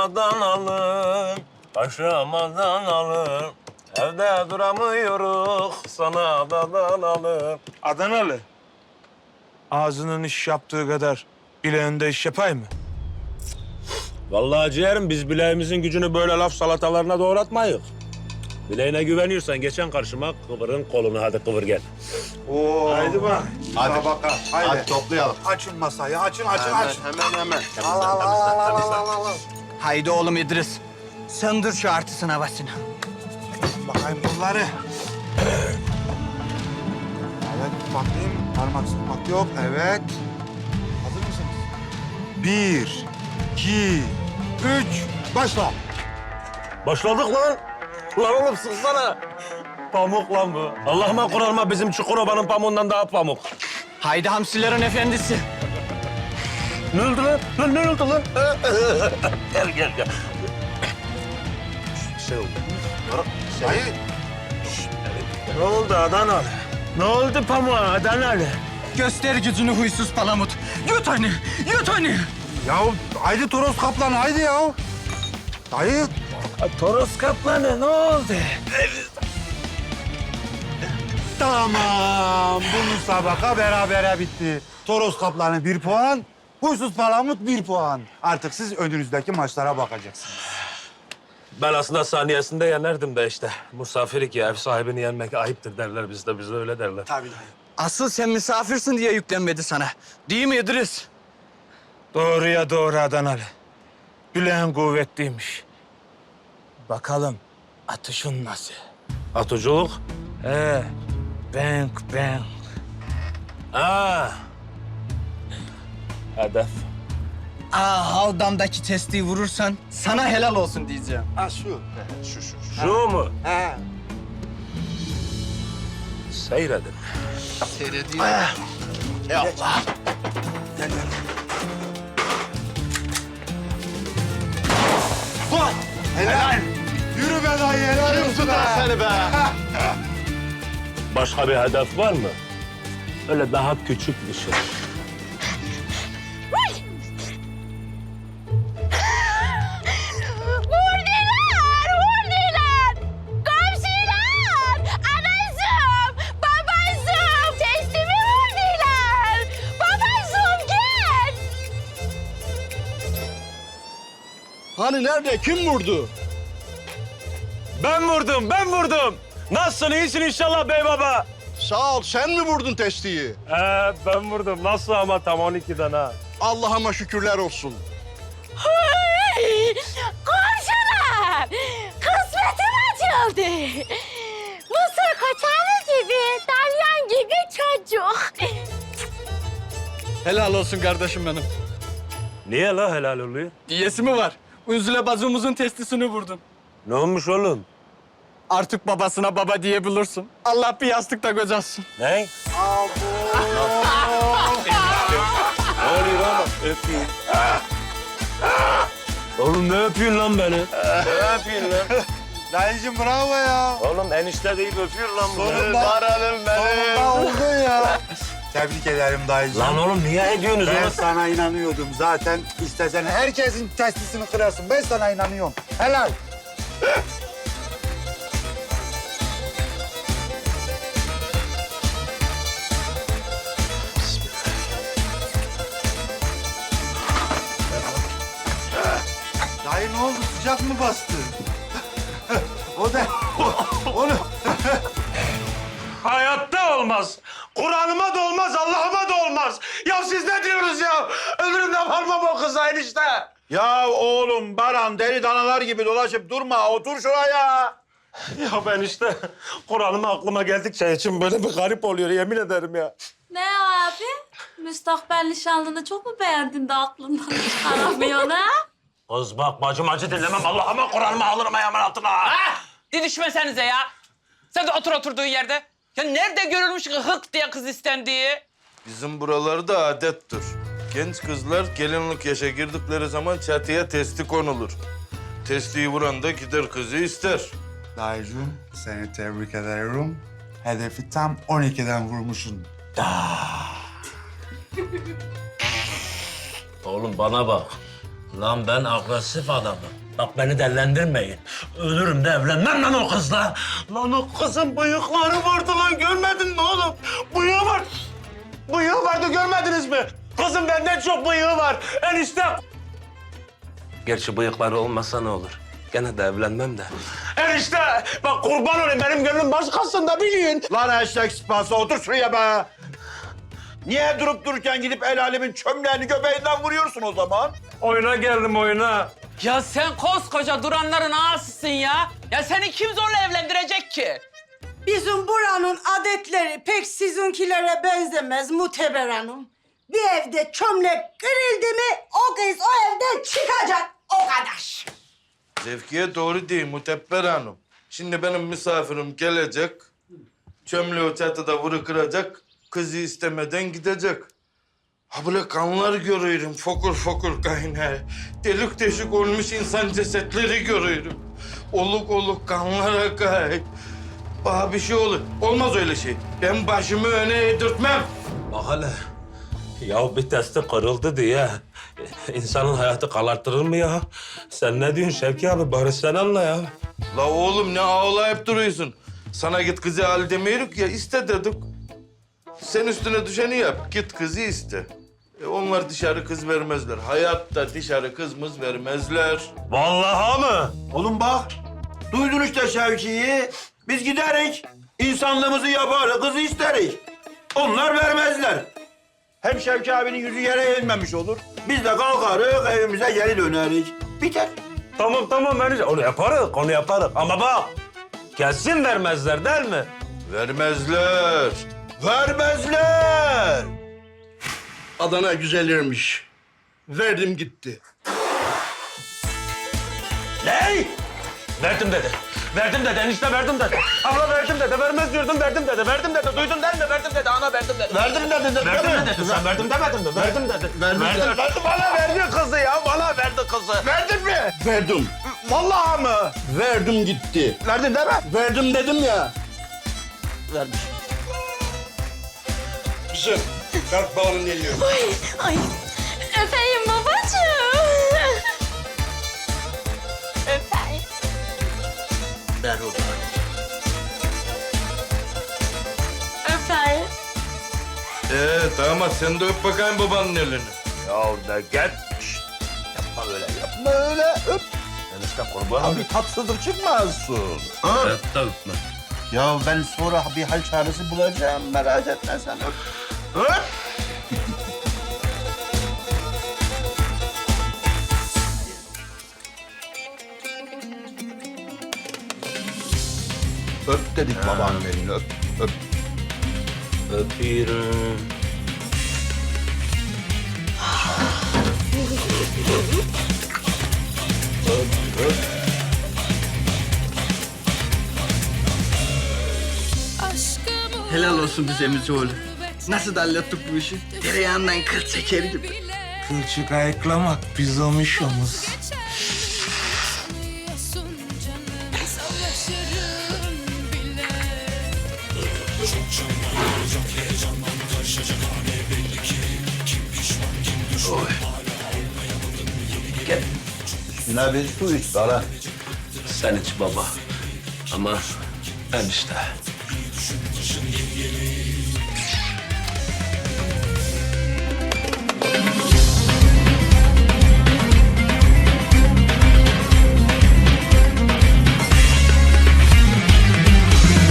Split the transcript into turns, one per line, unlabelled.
Adanalım, paşam Adanalım. Evde duramıyoruz, sana da dalalım.
Adanalı. Ağzının iş yaptığı kadar bileğinde iş yapay mı?
Vallahi ciğerim, biz bileğimizin gücünü böyle laf salatalarına doğratmayız. Bileğine güveniyorsan geçen karşıma, kıvırın kolunu, hadi kıvır gel.
Oo. Haydi bak.
Hadi
Baka.
Hadi toplayalım.
Açın masayı, açın.
Hemen.
Haydi oğlum İdris. Söndür şu artısın havasını.
Bakayım bunları. Evet, bakayım. Parmak sıkmak yok. Evet. Hazır mısınız? 1, 2, 3, başla.
Başladık lan. Lan oğlum sıksana. Pamuk lan bu. Allah'ıma Kur'an'ıma bizim Çukurova'nın pamuğundan daha pamuk.
Haydi hamsilerin efendisi.
Ne oldu lan? Lan ne oldu lan? Gel. Bir şey oldu.
Hayır.
Ne oldu Adanalı? Ne oldu pamuğa Adanalı?
Göster gücünü huysuz palamut. Yut onu.
Ya haydi Toros Kaplan, haydi ya. Hayır.
Toros kaplanı ne oldu?
Tamam. Bu müsabaka berabere bitti. Toros Kaplanı 1 puan, Huysuz Palamut 1 puan. Artık siz önünüzdeki maçlara bakacaksınız.
Ben aslında saniyesinde yenerdim de işte. Misafirlik ya, ev sahibini yenmek ayıptır derler bizde. Bize öyle derler.
Tabii.
Asıl sen misafirsin diye yüklenmedi sana. Değil mi İdris?
Doğruya doğru Adanalı. Bileğin kuvvetliymiş. Bakalım atışın nasıl?
Atuculuk?
Bang.
Ha. Hedef.
Havdamdaki testiyi vurursan sana helal olsun diyeceğim.
Ha şu.
Şu mu?
He.
Seyredin.
Seyrediyor.
Helal. Yürü be dayı, helal olsun be.
Seni be.
Başka bir hedef var mı? Öyle daha küçük bir şey.
Vurdular! Komşular! Anacığım! Babacığım! Testimi vurdular! Babacığım gel!
Hani nerede? Kim vurdu?
Ben vurdum. Nasılsın? İyisin inşallah bey baba.
Sağ ol. Sen mi vurdun testiyi?
Ben vurdum. Nasıl ama tam 12'den ha.
Allah'ıma şükürler olsun.
Hey! Komşular! Kısmetim açıldı! Mısır koçanı gibi, dalyan gibi çocuk.
Helal olsun kardeşim benim.
Niye la helal oluyor?
Diyesi mi var? Üzüle bazımızın testisini vurdun.
Ne olmuş oğlum?
Artık babasına baba diyebilirsin. Allah bir yastıkta kocasın.
Ne? Ne oluyor oğlum? Öpeyim. Oğlum ne öpüyorsun lan beni? Ne öpüyorsun lan?
Dayıcım bravo ya.
Oğlum enişte deyip öpüyor lan bu.
Sonunda oldun ya. Tebrik ederim dayıcım.
Lan oğlum niye ediyorsunuz
Ben
oğlum?
sana inanıyordum zaten. İstesen herkesin testisini kırarsın. Ben sana inanıyorum. Helal. Dayı ne oldu? Sıcak mı bastı? O da... Onu...
Hayatta olmaz. Kur'an'ıma da olmaz, Allah'ıma da olmaz. Ya siz ne diyorsunuz ya? Ömrümde varmam o kıza enişte.
Ya oğlum Baran deli danalar gibi dolaşıp durma. Otur şuraya.
Ya ben işte Kur'an'ıma aklıma geldikçe için böyle bir garip oluyor yemin ederim ya.
Ne abi? Müstakbel nişanlını çok mu beğendin de aklından çıkaramıyorsun ha?
Kız bak bacım acı dinlemem. Allah'ıma Kur'an'ıma alırım ayağımın altına.
Didişmesenize ya. Sen de otur oturduğun yerde. Ya nerede görülmüş ki hık diye kız istendiği?
Bizim buralarda adettir. Genç kızlar gelinlik yaşa girdikleri zaman çatıya testi konulur. Testiyi vuran da gider kızı ister.
Dayıcığım seni tebrik ederim. Hedefi tam 12'den vurmuşsun.
Oğlum bana bak. Lan ben agresif adamım. Bak beni dellendirmeyin. Ölürüm de evlenmem lan o kızla. Lan o kızın bıyıkları vardı lan, görmedin mi oğlum? Bıyığı var. Bıyığı vardı, görmediniz mi? Kızın benden çok bıyığı var. Enişte. Gerçi bıyıkları olmasa ne olur? Gene de evlenmem de. Enişte bak kurban olayım, benim gönlüm başkasında bilin.
Lan eşek sıpası otur şuraya be. Niye durup dururken gidip el alemin çömleğini göbeğinden vuruyorsun o zaman?
Oyuna geldim, oyuna.
Ya sen koskoca duranların ağasısın ya. Ya seni kim zorla evlendirecek ki?
Bizim buranın adetleri pek sizinkilere benzemez Muteber Hanım. Bir evde çömlek kırıldı mı o kız o evden çıkacak o kadar.
Zevkiye doğru değil Mutebber Hanım. Şimdi benim misafirim gelecek, çömleği çatıda vuru kıracak, kızı istemeden gidecek. Ha böyle kanlar görüyorum, fokur fokur kaynağı. Delik deşik olmuş insan cesetleri görüyorum. Oluk oluk kanlar akar. Bana bir şey olur. Olmaz öyle şey. Ben başımı öne eğdirtmem.
Bak hele. Ya bir testi kırıldı diye insanın hayatı karartırır mı ya? Sen ne diyorsun Şevki abi? Bari sen anla ya.
La oğlum ne ağlayıp duruyorsun? Sana git kızı al demiyoruz ya, iste dedik. Sen üstüne düşeni yap, git kızı iste. Onlar dışarı kız vermezler. Hayatta dışarı kızımız vermezler.
Vallahi mı?
Oğlum bak, duydun işte Şevki'yi. Biz giderik, insanlığımızı yaparız, kızı isteriz. Onlar vermezler. Hem Şevki abinin yüzü yere eğilmemiş olur. Biz de kalkarız, evimize geri döneriz. Biter.
Tamam ben onu yaparız. Ama bak kesin vermezler değil mi?
Vermezler.
Vermezler.
Adana güzelirmiş. Verdim gitti.
Ne? Verdim dedi. Enişte verdim dedi. Abla verdim dedi. Vermez diyordum, verdim dedi. Duydun değil mi? Verdim dedi. Ana verdim dedi.
Verdim dedi.
Verdim dedi. Sen verdim demedin mi? Verdim dedi.
Verdim.
Bana verdi kızı ya. Bana verdi kızı.
Verdin mi?
Verdim.
Vallahi mı?
Verdim gitti.
Verdin değil mi?
Verdim dedim ya.
Vermiş.
Kızım, kalk bağırın geliyor.
Ay. Öpeyim babacığım. Öpeyim.
Ver o zaman.
Öpeyim.
Damat sen de öp bakayım babanın elini.
Ya ne gel. Yapma öyle.
Yapma öyle öp.
Enişte kurban
Abi tatsızlık çıkmazsın.
Öp de öpme.
Ya ben sonra bir hal çaresi bulacağım. Merak etme sen öp. Öp. Öp dedik babanın elini öp. Öp.
Öpüyorum.
Helal olsun bize Mücioğlu. Nasıl da hallettik bu işi? Tereyağından kıl çeker gibi.
Kılçık ayıklamak bizim işimiz.
Üstüne bir su iç bana.
Sen iç baba. Ama enişte.